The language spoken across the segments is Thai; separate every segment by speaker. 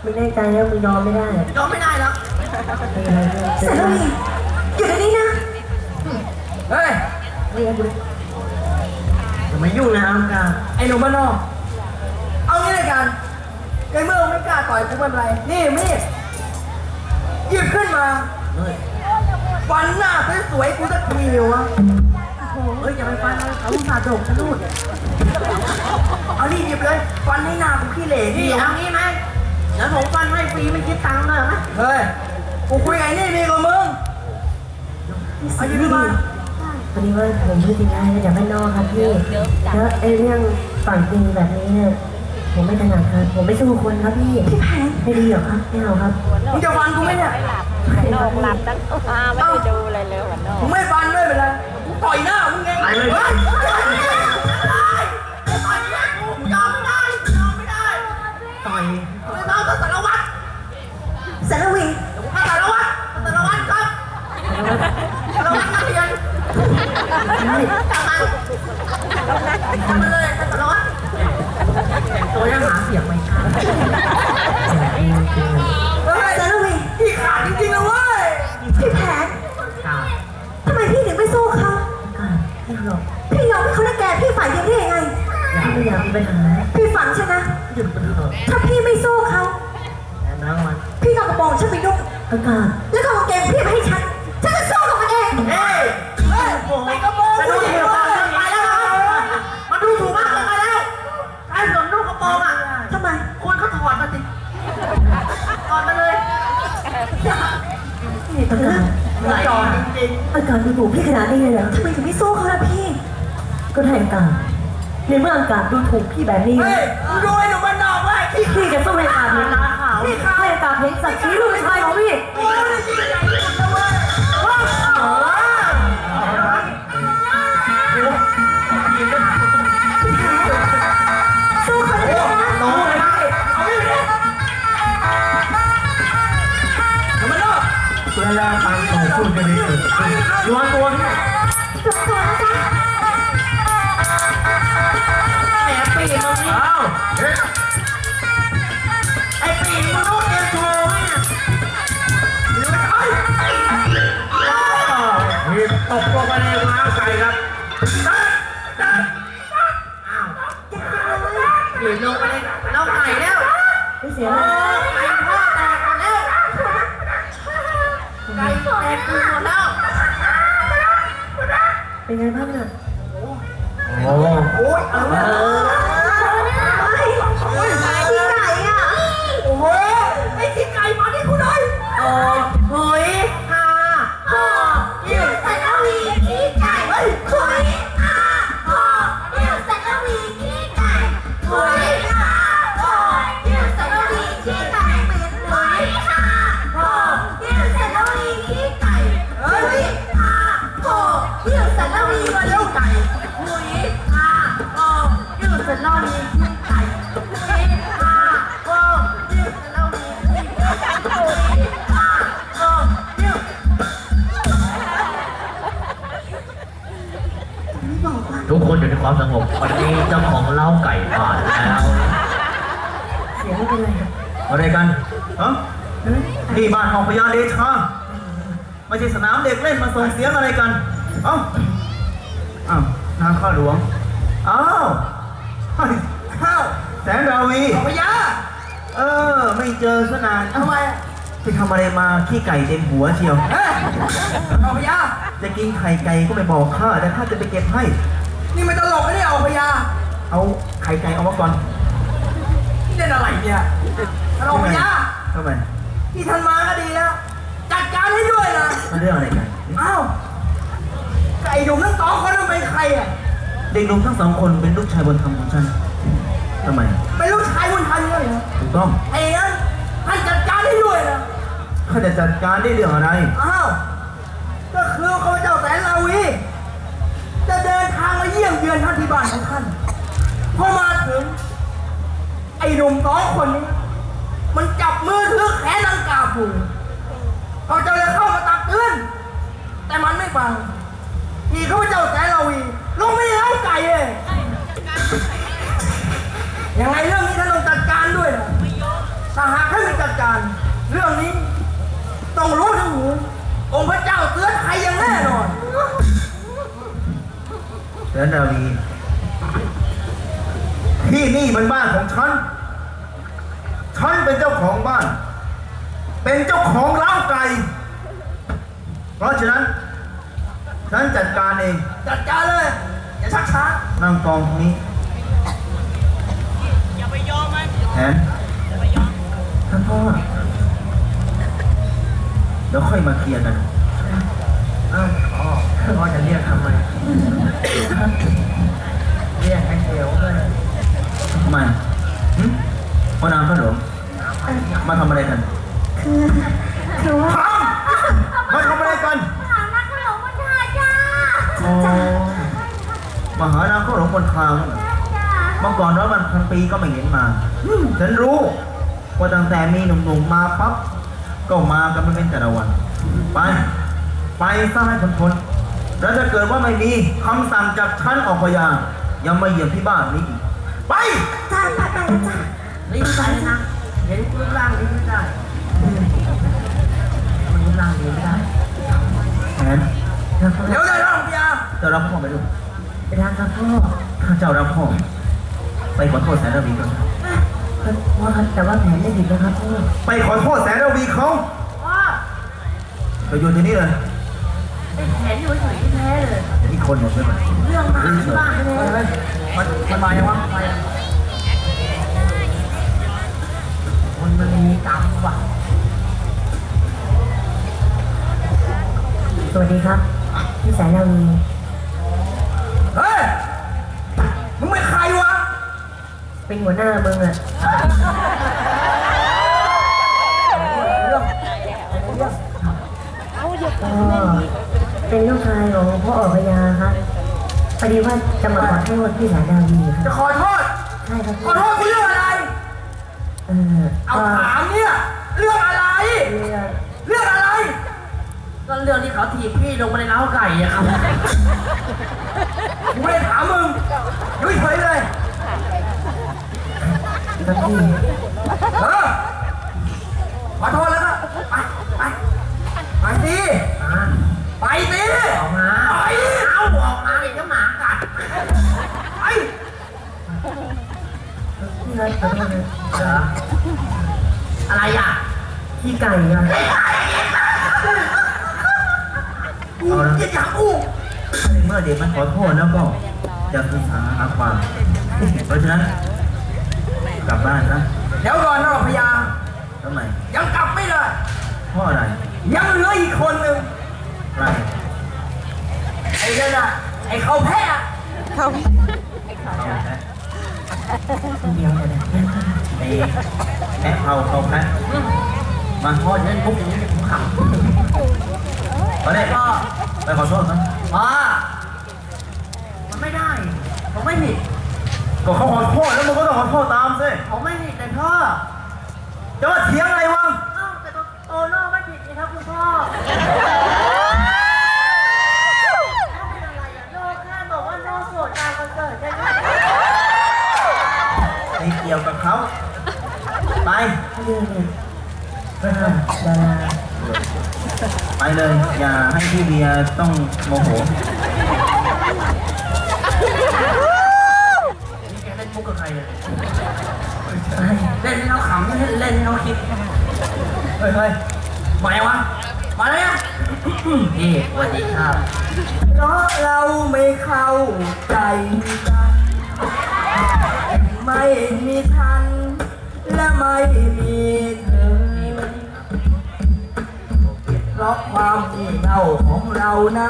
Speaker 1: มึงแน่ใจแล้วมึงยอมไม่ได้
Speaker 2: ยอมไม่ได้แล้ว
Speaker 1: เสร็จแล้วนี่อยู่ในนี้นะ
Speaker 2: เฮ้ย
Speaker 1: เรียนดู
Speaker 2: จะมายุ่งนะอังกาไอ้หนุ่มบ้านนอกเอางี้เลยกันในเมื่อมึงไม่กล้าต่อยกูไม่เป็นไรนี่มีดหยิบขึ้นมาฟันหน้าสวยๆกูสักทีเลยวะเฮ้ยอย่าไปฟันเลยเขาสาดกฉันนู่นเอาดิหยิบเลยฟันให้หน้ากูขี้เหร่นี่เอางี้ไหมเดี๋ยวผมฟันให้ฟรีไม่คิดตังค์เลยไหมเฮ้ยกูคุยไงนี่มีกับมึงเอาหยิบมา
Speaker 1: พอดีว่าผมพูดจริงๆมาจากบ้านนอกครับพี่แล้วไอ้เรื่องฝั่งจริงแบบนี้เนี่ยผมไม่ถนัดครับผมไม่สู้คนครับพี่พี่แพงไม่ดีหรอครับไม่เอาครับ
Speaker 2: มึงจะฟันกูไหมเนี่ย
Speaker 3: นอกหลับตั้งไม่ได้ดูอะไรเลยวันนอก
Speaker 2: มึงไม่ฟันด้วยเป็นไรกูต่อยหน้ามึงไงไปเลยต่อยหน้ากูยอมไม่ได้ยอมไม่ได้ต่อยไม่ต้องสารวัตร
Speaker 1: สารวิ
Speaker 2: สารวัตรครับสารวัตรนักเรียนทำมาเลยสารวัตรตัวยังหาเสียงไม่ชัดเฮ้ย
Speaker 1: สารวิ
Speaker 2: พี่ขาดจริงๆนะเว้ย
Speaker 1: พี่แพงทำไมพี่ถึงไม่สู้เขาพี่หรอกพี่ยอมให้เขาละแกพี่ฝ่ายเดียวได้ยังไงไม่อยากมีปัญหาพี่ฝังใช่ไหมหยุดมันเถอะถ้าพี่ไม่สู้เขาพี่เอากระโปรงฉันไปนุ่งอากาศแล้วก็กางเกงพี่มาให้ฉันจะสู้กับมันเอง
Speaker 2: เฮ้ยไอ้กระโปรงจะดูถูกมากเกินไปแล้วมันดูถูกมากเกินไปแล้วไอ้สวมลูกกระโปรงอ่ะ
Speaker 1: ทำไม
Speaker 2: คนเขาถอดมาสิถอดมาเลย
Speaker 1: อากาศ
Speaker 2: จอดจริง
Speaker 1: อากาศดูถูกพี่ขนาดนี้เลยเหรอทำไมถึงไม่สู้เขาล่ะพี่ ก็ได้อากาศในเมื่ออากาศดูถูกพี่แบบนี้
Speaker 2: เฮ้ยมึงดูไอ้หนุ่มบ้านนอกเว้ยขี้
Speaker 1: พี่จะสู้ให้อากาศเห็นให้อากาศเห็นศักดิ์ศรีลูกชายของพี่
Speaker 2: โอ้ยยิ่งใหญ่ที่สุดนะเว้ย
Speaker 1: สู้เขาได้ไหม
Speaker 2: โน้ยได้เอาไม่ได้หนุ่มบ้านนอก
Speaker 4: เวลาการต่อสู้จะได้เกิดขึ้นระวังตัวนี่
Speaker 1: จบตัวนะจ๊ะ
Speaker 2: แหมปีกมึงนี่
Speaker 4: อ้าวเฮ้ย
Speaker 2: ไอ้ปีกมึงต้องเตรียมโชว์ไหมเนี่ยหรือว่าไอ้
Speaker 4: หีบตกลงไปในม้าไก่ครับ
Speaker 2: หรือลงไปเลยเราไก่แล้ว
Speaker 1: ไม่เสีย
Speaker 2: โอ้
Speaker 1: เลย
Speaker 2: ไก่พ่อแตกหมดแล้วไก่แตกหมดแล้ว
Speaker 1: เป็นไงบ้างน่ะ
Speaker 4: โอ้
Speaker 2: โอ้ยอะไรเนี่ย
Speaker 1: พี่ไก่อ่ะ
Speaker 2: โอ้โหไอ้ขี้ไก่มาที่กูหน่อยโอ้เฮ้ยฮ่าฮ่ายิ่งใส่แล้ววีขี้ไก่เฮ้ยเฮ้ยฮ่าฮ่ายิ่งใส่แล้ววีขี้ไก่เฮ้ยฮ่าฮ่ายิ่งใส่แล้ววีขี้ไก่เฮ้ยฮ่าฮ่ายิ่งใส่แล้ววีขี้ไก่เฮ้ยฮ่าฮ่ายิ่งใส่แล้ววีขี้ไก่เฮ้ยฮ่าฮ่ายิ่งใส่แล้ววีขี้ไก่เฮ้ยฮ่าฮ่ายิ่งใส่แล้ววีขี้ไก่เฮ้ยฮ่าฮ่ายิ่ง
Speaker 4: ทุกคนอยู่ในความสงบวันนี้เจ้าของเล้าไก่ผ่านแล้ว
Speaker 1: เสียไม่เป็นไร
Speaker 4: อะไรกันฮะนี่บ้านของพญาเดชาไม่ใช่สนามเด็กเล่นมาส่งเสียงอะไรกันเอ้าอ้าวนางข้าหลวงอ้าวเฮ้ยข้าวแสนราวี
Speaker 2: พญา
Speaker 4: ไม่เจอซะนาน
Speaker 2: ทำไม
Speaker 4: ไปทำอะไรมาขี้ไก่เต็มหัวเชียว
Speaker 2: เฮ้ยพญา
Speaker 4: จะกินไข่ไก่ก็ไม่บอกข้าแต่ข้าจะไปเก็บให้
Speaker 2: นี่มันตลกไม่ได้เอาพญา
Speaker 4: เอาไข่ไก่เอามาก่อน
Speaker 2: นี่เล่นอะไรเนี่ยตลกพญา
Speaker 4: ทำไม
Speaker 2: ที่ท่านมาก็ดีแล้ว จัดการให้ด้วยนะ
Speaker 4: มันเรื่องอะไรกัน
Speaker 2: อ้าวไก่หนุ่มทั้งสองคนนั้นเป็นใครอ่ะ
Speaker 4: เด็กหนุ่มทั้งสองคนเป็นลูกชายบุญธรรมของฉันทำไม
Speaker 2: เป็นลูกชายบุญธรรมเลยเหรอ
Speaker 4: ถูกต้อง
Speaker 2: ไอ้นั้นท่านจัดการให้ด้วยนะ
Speaker 4: ข้าจะจัดการได้เรื่องอะไร
Speaker 2: อ้าวก็คือข้าพเจ้าแสนลาวี จะเดินทางมาเยี่ยมเยือนท่านที่บ้านของท่านพอมาถึง ไอ้หนุ่มสองคนนี้ มันจับมือถือแขนนางกาบูเขาเจ้าเลยเข้ามาตักเตือนแต่มันไม่ฟังที่ข้าพเจ้าแสนลาวีลงไม่ได้เล้าไก่เลยยังไงเรื่องนี้ท่านต้องจัดการด้วยนะถ้าหากท่านไม่จัดจัดการเรื่องนี้ต้องรู้ทั้งหูองค์พระเจ้าเตือนใครอย่างแน่นอน
Speaker 4: เสือดาวีที่นี่มันบ้านของฉัน ฉันเป็นเจ้าของบ้าน เป็นเจ้าของร้านไก่ เพราะฉะนั้น ฉันจัดการเอง
Speaker 2: จัดการเลยอย่าชักช้า
Speaker 4: นั่งกองตรงนี้แผนท่านพ่อ เดี๋ยวค่อยมาเคลียร์กัน
Speaker 2: อ้าวพ่อจะเรียกทำไมเรียกให้เสียวเลย
Speaker 4: ทำไมพ่อนางข้าหลวงมาทำอะไรกัน
Speaker 1: คือว่า
Speaker 4: ทำมาทำอะไรกัน
Speaker 1: หานักหลงมันทาจ้า
Speaker 4: อ๋อมาหานางข้าหลวงบนคลางนั่นเหรอ เมื่อก่อนแล้วมันพันปีก็ไม่เห็นมา ฉันรู้ว่าตั้งแต่มีหนุ่มๆมาปั๊บก็มากันไม่เป็นแต่ละวัน ไปซะให้พ้นๆแล้วถ้าเกิดว่าไม่มีคำสั่งจากฉันออกพยายังมาเยี่ยมที่บ้านนี้อีกไป
Speaker 1: จ้าไปแล้วจ้า
Speaker 2: รีบไปนะ เห็นรูปร่างนี้ไม่ได้มันรูปร่างนี้ไม่ได้
Speaker 4: แผน
Speaker 2: เดี๋ยวได้ร่างพยา
Speaker 4: เจ้ารับพ่อไปดู
Speaker 2: ไปทางครับพ่อ
Speaker 4: ถ้าเจ้ารับพ่อไปขอโทษแสนระวีก่อน
Speaker 2: พ่อครับแต่ว่าแผนไม่ผิดนะครับพ่อ
Speaker 4: ไปขอโทษแสนระวีเขา
Speaker 2: พ่อ
Speaker 4: ไปโยนที่นี่เลย
Speaker 2: ไอ้แผนอยู่เฉยๆแท้เลย
Speaker 4: อีกคนหนึ่งใช่ไหม
Speaker 2: เรื่องมาที่บ้านเลยมันมายังวะมายังมันมีกรรมว่ะ
Speaker 1: สวัสดีครับพี่แสนนาวี
Speaker 2: เฮ้ย มึงเป็นใครวะ
Speaker 1: เป็นหัวหน้ามึงอะ
Speaker 3: เอาอย่า
Speaker 1: ก็เป็นลูกชายของพ่อออกพยาครับพอดีว่าจะมาขอโทษพี่แสนนาวีค
Speaker 2: จะ
Speaker 1: รับ
Speaker 2: ขอโทษ
Speaker 1: ใช่ครับ
Speaker 2: ขอโทษกูเรื่องอะไร
Speaker 1: เออ
Speaker 2: เอา
Speaker 1: ก็
Speaker 2: ถามเนี่ย เรื่องอะไร
Speaker 1: เรื่อง
Speaker 2: เรื่องอะไร ก็เรื่องที่เขาถีบพี่ลงมาในเล้าไก่อะครับกูไม่ได้ถามมึงยุ่ยเฉยเลย
Speaker 1: ครับพี่
Speaker 2: เออขอโทษแล้วก็ไปสิไปสิออกมาไปเอาออกมาเดี๋ยวหมากัดไป
Speaker 1: พี่ครับขอโทษนะ
Speaker 2: อะไรอ่ะ
Speaker 1: พี่ไก่อะ
Speaker 2: กูจะอยากอู้
Speaker 4: เมื่อเด็กมันขอโทษแล้วก็จะศึกษาหาความ เพราะฉะนั้น กลับบ้านนะ
Speaker 2: เดี๋ยวก่อนนะพยา
Speaker 4: ทำไม
Speaker 2: ยังกลับไม่เลย
Speaker 4: เพราะอะไร
Speaker 2: ยังเหลืออีกคนหนึ่ง
Speaker 4: อะไร
Speaker 2: ไอ้นั่นน่ะไอ้เขาแพ้อะ
Speaker 3: เขา
Speaker 4: เอาแพะ
Speaker 1: คนเดียวเลยนะ
Speaker 4: ไอ้แพะเขาแพะมา
Speaker 2: พอเล่นปุ๊บอย่างนี้ผมขำ
Speaker 4: มาเนี่ยก็ไปขอโทษนะ
Speaker 2: มันไม่ได้ผมไม่ผิด
Speaker 4: ก็เขาขอโทษแล้วมึงก็ต้องขอโทษตามสิ
Speaker 2: ผมไม่ผิดแต่พ่อ
Speaker 4: จะมาเถียงอะไรวะ
Speaker 2: เอ้าแต่โตโน่ไม่ผิดนี่ครับคุณพ่อไม่เป็นอะไรอะโน่แค่บอกว่าโน่โสดตามคอนเสิร์ตใช่ไหม
Speaker 4: ไม่เกี่ยวกับเขาไป
Speaker 1: เรื่องเนี่ยดารา
Speaker 4: ไปเลย อย่าให้พี่เบียร์ต้องโมโห
Speaker 2: นี่แกเล่นมุกกับใครเนี่ย
Speaker 1: ไป
Speaker 2: เล่นให้เราขำไม่เล่นให้เราคิด เฮ้ยมายังวะ มาแล้วเนี่ยนี่สวัสดีครับเพราะเราไม่เข้าใจกันไม่มีทัน และไม่มีเธอเพราะความงี่เง่าของเรานะ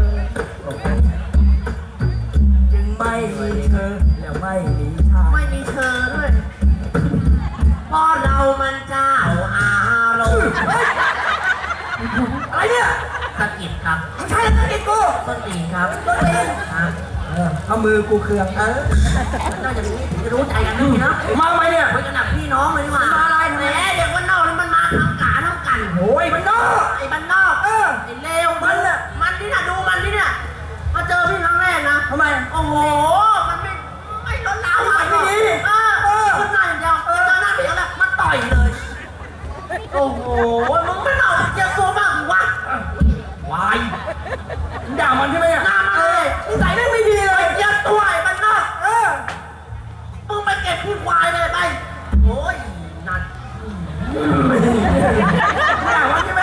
Speaker 2: จึงไม่มีเธอและไม่มีชาไม่มีเธอด้วยเพราะเรามันเจ้าอารมณ์อะไรเนี่ยสะกิดครับไม่ใช่สะกิดกูต้นตีนครับต้นตีนครับเอามือกูเคืองน่าจะรู้ใจกันนี่นะมาไหมเนี่ยไปกันหนักพี่น้องเลยนี่มาอะไรแหมเด็กบ้านนอกมันมาทำกาทำกันโอ้ยบ้านนอกไอ้บ้านนอกไอ้เลวมันน่ะมันนี่น่ะดูมันนี่น่ะมาเจอพี่ครั้งแรกนะทำไมโอ้โหมันไม่ล้นลามอะไรไม่ดีขึ้นหน้าอย่างเดียวเจอหน้าพี่แล้วมันต่อยเลยก็บขี้ควายเลยไปโอ้ยนั่นไม่อยากวันใช่ไหม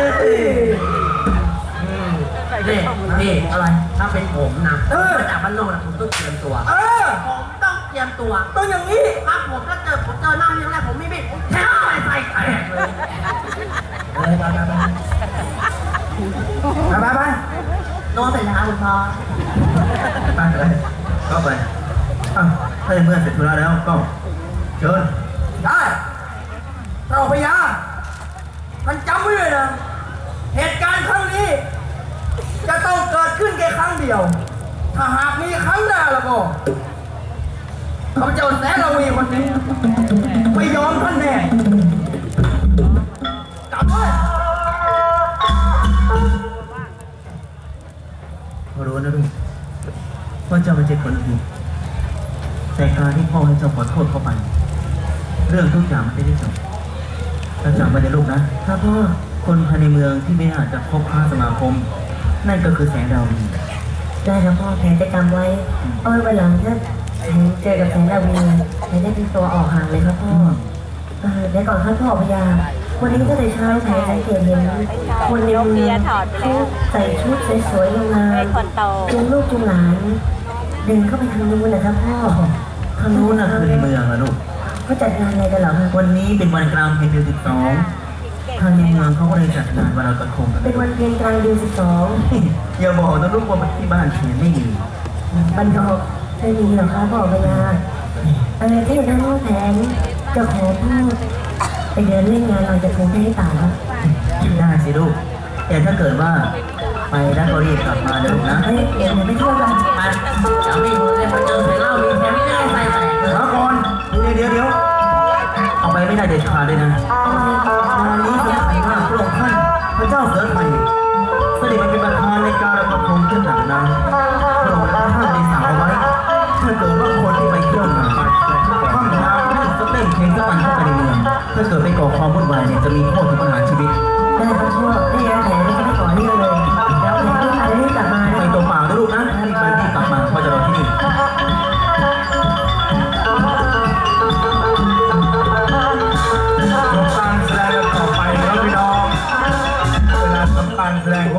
Speaker 2: นี่อะไรถ้าเป็นผมนะมาจากบ้านนอกนะผมต้องเตรียมตัวผมต้องเตรียมตัวต้องอย่างนี้ครับผมถ้าผมเจอหน้าที่แรกผมไม่บิดแค่ใส่แตกเลยไปนอนเสร็จแล้วคุณพ่อ
Speaker 4: ไปเลยก็ไปอ้าวถ้าเมื่อเสร็จธุระแล้วก็เชิญ
Speaker 2: ได้เจ้าพญาท่านจำไว้เลยนะเหตุการณ์ครั้งนี้จะต้องเกิดขึ้นแค่ครั้งเดียว ถ้าหากมีครั้งหน้าแล้วก็ข้าพเจ้าแสนละวีคนนี้ไม่ยอมท่านแน่จำไว้
Speaker 4: รู้นะลูกว่าเจ้าไม่ใช่คนผิดแต่การที่พ่อให้เจ้าขอโทษเข้าไป เรื่องทุกอย่างมันจะได้จบแล้วจำไว้นะลูกนะครับพ่อคนภายในเมืองที่ไม่อาจจะพบค้าสมาคม นั่นก็คือแสงดาวดี
Speaker 1: ได้ครับพ่อแผนจะจำไว้เอาไว้วันหลังถ้าเจอกับแสงดาวีแผนจะตีตัวออกห่างเลยครับพ่อเดี๋ยวก่อนครับพ่อพญาวันนี้ก็แต่เช้าแผนสังเกตเห็นคนในเมืองเขาใส่ชุดสวยๆงาม
Speaker 3: ให้คนโต
Speaker 1: จูงลูกจูงหลานเดินเข้าไปทางนู้นนะครับพ่อ
Speaker 4: ทางนู้นน่ะคือในเมืองนะลูก
Speaker 1: เขาจัดงานอะไรกันเหรอครับ
Speaker 4: วันนี้เป็นวันกลางเพ็ญเดือน12ทางในเมืองเขาก็เลยจัดงานวันลอยกระทงกัน
Speaker 1: เป็นวันเพ็ญกลางเดือน12
Speaker 4: อย่าบอกนะลูกว่าที่บ้านเพียนไม่มี
Speaker 1: บันทอกไม่มีหรอกครับพ่อพญาถ้าอย่างนั้นพ่อแผนจะขอพ่อไปเดินเล่นงานลอยกระทงให้ต่าครับ
Speaker 4: ได้สิลูกแต่ถ้าเกิดว่าไปแล้วก็รีบกลับมาเร็วนะ
Speaker 1: เฮ้ยเดี๋ยวไม่เที่ยวกัน
Speaker 2: ไปเดี๋ยวพี่ผมจะมาเจอ